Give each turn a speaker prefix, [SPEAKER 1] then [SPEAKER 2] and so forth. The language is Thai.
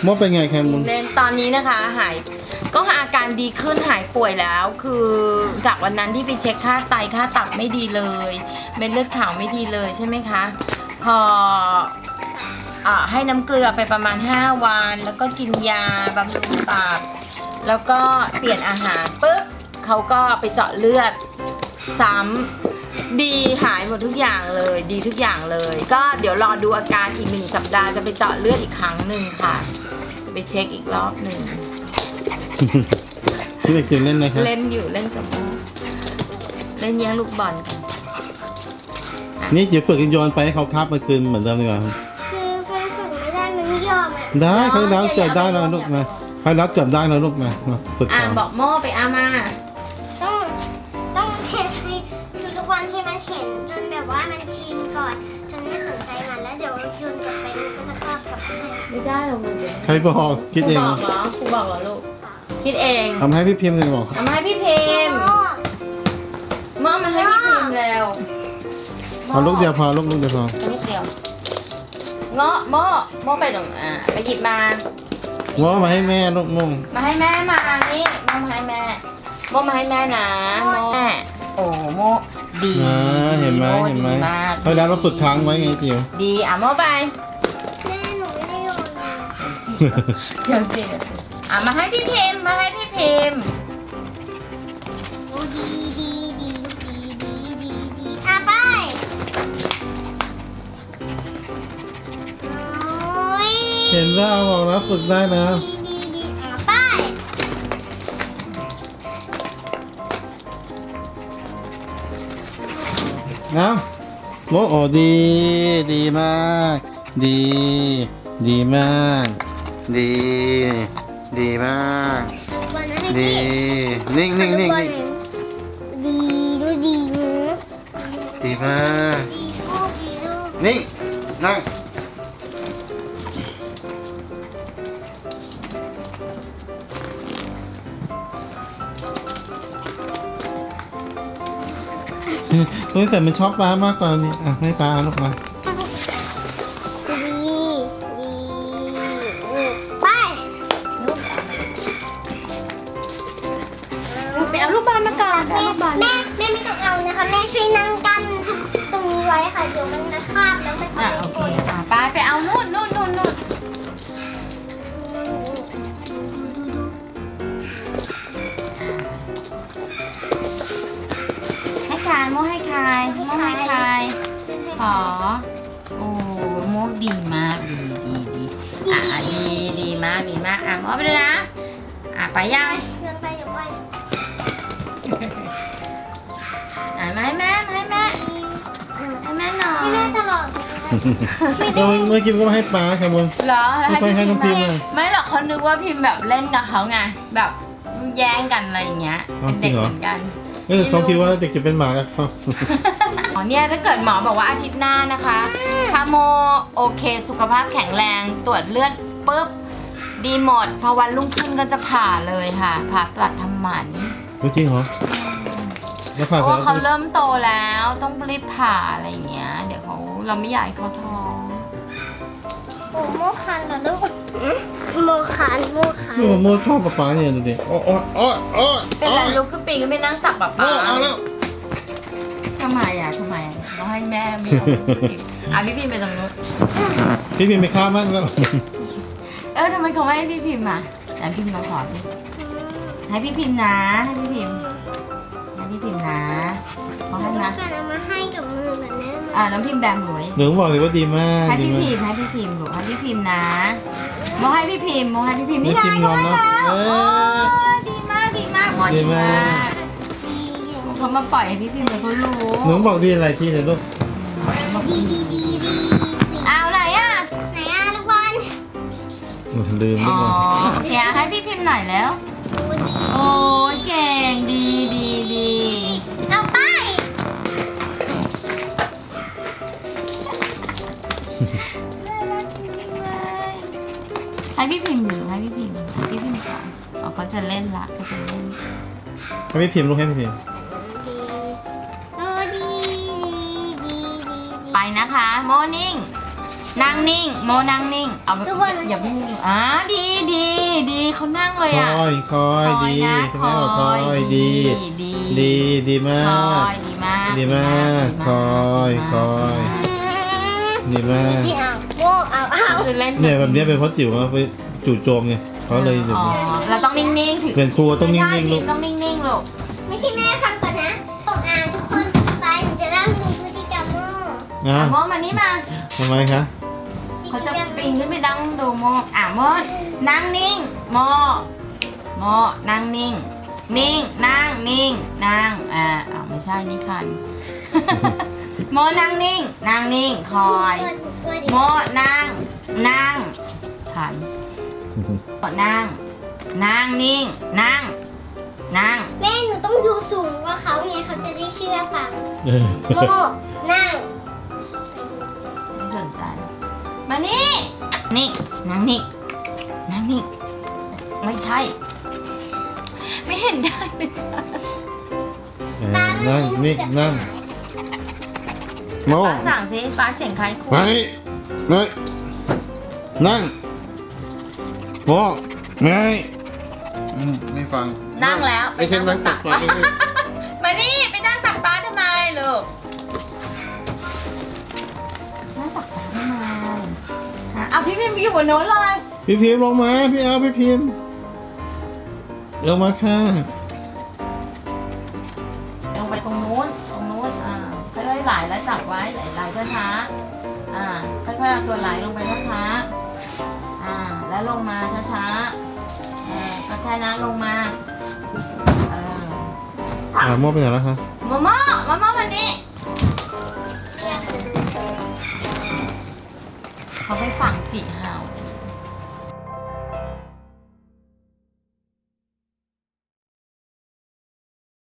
[SPEAKER 1] โมเป็นไงแคมุน
[SPEAKER 2] เล่นตอนนี้นะคะก็อาการดีขึ้นหายป่วยแล้วคือจากวันนั้นที่ไปเช็คค่าไตค่าตับไม่ดีเลยเม็ดเลือดขาวไม่ดีเลยใช่ไหมคะพอให้น้ำเกลือไปประมาณ5 วันแล้วก็กินยาบำรุงตับแล้วก็เปลี่ยนอาหารปุ๊บเขาก็ไปเจาะเลือดซ้ำดีหายหมดทุกอย่างเลยดีทุกอย่างเลยก็เดี๋ยวรอดูอาการอีก1 สัปดาห์จะไปเจาะเลือดอีกครั้งหนึ่งค่ะไปเช็คอีกรอบหนึ่ง
[SPEAKER 1] พี่เด็กจิ๋วเล่นเลยครับ
[SPEAKER 2] เล่นอยู่เล่นกับโมเล่นแย่งลูกบอลกัน
[SPEAKER 1] นี่จิ๋วฝึกโยนไปให้เขาคาบมาคืนเหมือนเดิมดีกว่า
[SPEAKER 3] คือมันฝึกไม่ได้มันไม่ยอมอ่ะ
[SPEAKER 1] ได้เขาแล้วจับได้แล้วลูกนะเขาแล้วจับได้แล้วลูกนะฝึก
[SPEAKER 2] อ่า
[SPEAKER 1] ก่อน
[SPEAKER 2] บอกโมไปเอามา
[SPEAKER 3] ต้องเห็นให้คือทุกวันที่มันเห็นจนแบบว่ามันชินก่อนจนไม่สนใจมันแล้วเดี๋ยวโยนกลับไปมันก็จะคาบกลับมาให้
[SPEAKER 2] ไม่ได้หรอกลูก
[SPEAKER 1] ใครบอกคิดเอง
[SPEAKER 2] ครูบอกเหรอลูกคิดเอง
[SPEAKER 1] ทำให้พี่พิมพ์เลยบอก
[SPEAKER 2] เอามาให้พี่เพมโมมาให้พี่เพมแล้ว
[SPEAKER 1] เอาลูกเดียวพอลูกเดียวพอ
[SPEAKER 2] ลูกเดียวเงาะโมไปตรงไปหยิบมา
[SPEAKER 1] ง้อมาให้แม่ลูกมุ่ง
[SPEAKER 2] มาให้แม่มานี่โมมาให้แม่โมมาให้แม่นะโมแม่โอ้โมดี
[SPEAKER 1] เห็นไหม
[SPEAKER 2] โ
[SPEAKER 1] เห็นไหม
[SPEAKER 2] ดีมาก
[SPEAKER 1] เขาแล้วเราฝึกค้างไว้ไงจิ๋ว
[SPEAKER 2] ดีโมไป
[SPEAKER 3] แม่หนูไม่ได้โยนเลย
[SPEAKER 2] เดี๋ยวสิมาให้พี่พิมพ์มาให้พี่พิมพ์
[SPEAKER 3] โอ้ดีอ่ะไปโอ้ย
[SPEAKER 1] เห็นแล้วบอกแล้วฝึกได้นะ
[SPEAKER 3] ดีอ่ะไป
[SPEAKER 1] นะโอ้ดีมาก ดีมาก ดีมาก
[SPEAKER 3] วันนั้นให้
[SPEAKER 1] ดี
[SPEAKER 3] พี่
[SPEAKER 1] นิ่ง
[SPEAKER 3] ดีดูดีนะ
[SPEAKER 1] ดีมาก
[SPEAKER 3] ดีลูกดีลูก
[SPEAKER 1] นิ่งนั่งแต่มันชอบปลามากกว่านี้อ่ะให้ปลาลูกมา
[SPEAKER 3] ไป
[SPEAKER 2] ไปเอาลูกบอลมาก่อน
[SPEAKER 3] แม่ไม่ต้องเอานะคะแม่ช่วยนั่งกั้นตรงนี้ไว้ค่ะเดี๋ยวมันจะคาบแล้วมันจะ
[SPEAKER 2] โอเคไปเอานู่นให้คายโมให้คายขอโอ้โมดีมากดีมากโมไปเลยนะไปยัง
[SPEAKER 3] เดินไปเดี๋ยวไป
[SPEAKER 2] มาให้แม่หน่อย
[SPEAKER 3] ให้แม่ตลอด
[SPEAKER 1] เมื่อกี้ก็มาให้ปลาแคมุน
[SPEAKER 2] เหรอ
[SPEAKER 1] ไม่ค่อยให้น้องพิมพ์เลย
[SPEAKER 2] ไม่หรอกเขานึกว่าพิมพ์แบบเล่นกับเขาไงแบบแย่งกันอะไรอย่างเงี้ยเป็นเด็กเหมือนกัน
[SPEAKER 1] เขาคิดว่าเด็กจะเป็นหมาแล้วเขา
[SPEAKER 2] อ๋อเนี่ยถ้าเกิดหมอบอกว่าอาทิตย์หน้านะคะถ้าโมโอเคสุขภาพแข็งแรงตรวจเลือดปุ๊บดีหมดพอวันรุ่งขึ้นก็จะผ่าเลยค่ะผ่าตัดทำหมัน
[SPEAKER 1] จริงเหรอแล้ว
[SPEAKER 2] เพ
[SPEAKER 1] ผ่า
[SPEAKER 2] ราะ
[SPEAKER 1] เสร็
[SPEAKER 2] ว่า
[SPEAKER 1] จ
[SPEAKER 2] เขาเริ่มโตแล้วต้องรีบผ่าอะไรอย่างเงี้ยเดี๋ยวเราไม่อยากให้เขาท้อง
[SPEAKER 3] โอ้โมคันเหรอลูกโมคัน
[SPEAKER 1] โมชอบปลาเนี่ยดูดิโอ้
[SPEAKER 2] เป็นไรลุกขึ้นปีนก็ไปนั่งตักป๊า
[SPEAKER 1] เอาแล้ว
[SPEAKER 2] ทำไมต้องให้แม่ไม่เอาพี่พิมพ์ไปตรงนู้น
[SPEAKER 1] พี่พิมพ์ไปฆ่ามั่งแล้ว
[SPEAKER 2] ทำไมเขาไม่ให้พี่พิมพ์อ่ะแต่พี่พิมพ์มาขอสิให้พี่พิมพ์นะให้พี่พิมพ์นะขอให้
[SPEAKER 3] แล้
[SPEAKER 2] นะ
[SPEAKER 3] วกันเอามาให้กับมือแบบนี้
[SPEAKER 2] น้ำพิมพ์แบมือ
[SPEAKER 1] หนูบอกเลยว่าดีมาก
[SPEAKER 2] ให้
[SPEAKER 1] ดี
[SPEAKER 2] พี่
[SPEAKER 1] มาก
[SPEAKER 2] พิมพ์ลูกให้พี่พิมพ์นะโมให้พี่พิมพ์นี่ไง
[SPEAKER 1] พิมพ์งอนเนอะ
[SPEAKER 2] ดีมากโมดีมากเขามาปล่อยให้พี่พิมพ์เลยเขารู้
[SPEAKER 1] หนูบอกดีอะไรที่ไหนลูก
[SPEAKER 3] ดี
[SPEAKER 2] เอาไหนอ่ะ
[SPEAKER 3] ไหนอ่ะลูกบอล
[SPEAKER 1] ลืม
[SPEAKER 2] อ๋
[SPEAKER 1] ลู
[SPEAKER 2] อก
[SPEAKER 1] บอล
[SPEAKER 2] โอเคให้พี่พิมพ์หน่อยแล้ว
[SPEAKER 3] ดูดี
[SPEAKER 2] โอ้ยเก่งดี
[SPEAKER 3] เอาไป
[SPEAKER 2] ให้พี่พิมพ์หรือให้พี่พิมพ์ก่อนเขาจะเล่นละเขาจะเล่น
[SPEAKER 1] ให้พี่พิมพ์ลูกให้พี่พิมพ์
[SPEAKER 3] ดูดี
[SPEAKER 2] ไปนะคะโมนิ่งนั่งนิ่งโมนั่งนิ่งเอาอย่าเพิ่งดีเขานั่งเลย
[SPEAKER 1] ค
[SPEAKER 2] อ่ะ
[SPEAKER 1] อยคอยดี
[SPEAKER 2] นะ
[SPEAKER 1] คุณแม่บอกคอยดี ดีมา
[SPEAKER 2] คอย
[SPEAKER 1] ก
[SPEAKER 2] ดีมาก
[SPEAKER 1] ดีมากคอยคอย ดีมาก
[SPEAKER 3] จริงอ่ะโม่เอา
[SPEAKER 2] จะเล่น
[SPEAKER 1] เนี่ยแบบนี้เป็นเพราะจิ๋วมาไปจู่โจมไงเขาเลย
[SPEAKER 2] อ๋อเราต้องนิ่งๆถึง
[SPEAKER 1] เป็นครูต้องนิ่งๆลูก
[SPEAKER 2] ต้องนิ่งๆลูก
[SPEAKER 3] ไม่ใช่แม่ฟังก่อนนะตกอ่านทุกคนไปหนูจะเล่าให้ดูพฤติกรรมโม่
[SPEAKER 1] อ่ะ
[SPEAKER 2] โมมานี่มา
[SPEAKER 1] ทำไมคะ
[SPEAKER 2] เขาจะปีนขึ้นไปนั่งดูโมโมนั่งนิ่งโมนั่งนิ่งนั่งนิ่งนั่งไม่ใช่นี่คัน โมนั่งนิ่งคอยโมนั่งขันนั่งนิ่งนั่ง
[SPEAKER 3] แม่หนูต้องอยู่สูงกว่าเขาไงเขาจะได้เชื่อฟัง
[SPEAKER 1] เออ
[SPEAKER 3] โม่นั่ง
[SPEAKER 2] ไม่สนใจมานี่นั่งนิ่งไม่ใช่ ไม่เห็นได้เลย
[SPEAKER 1] นั่งนี่นั่งโม
[SPEAKER 2] ป้าสั่งสิป้าเสียงใครคู่
[SPEAKER 1] ไปเลยนั่งโมไม่ฟัง
[SPEAKER 2] นั่งแล้ว
[SPEAKER 1] ไอ้เช่นนั่งตักปลา
[SPEAKER 2] มานี่ไปนั่งตักป้าทำไมลูกนั่งตักป้าทำไมเอาพี่พิมพ์อยู่บนโน้นเลย
[SPEAKER 1] พี่พิมพ์ลงมาพี่เอาพี่พิมพ์ลงมาค่ะ
[SPEAKER 2] ลงไปตรงนู้นค่อยๆไหลแล้วจับไว้ไหลช้าๆค่อยๆเอาตัวไหลลงไปช้าๆแล้วลงมาช้าๆก็แค่นั้นลงมา
[SPEAKER 1] โมไปไหนแล้วคะ
[SPEAKER 2] มาวันนี้เขาไปฝังจิเห่า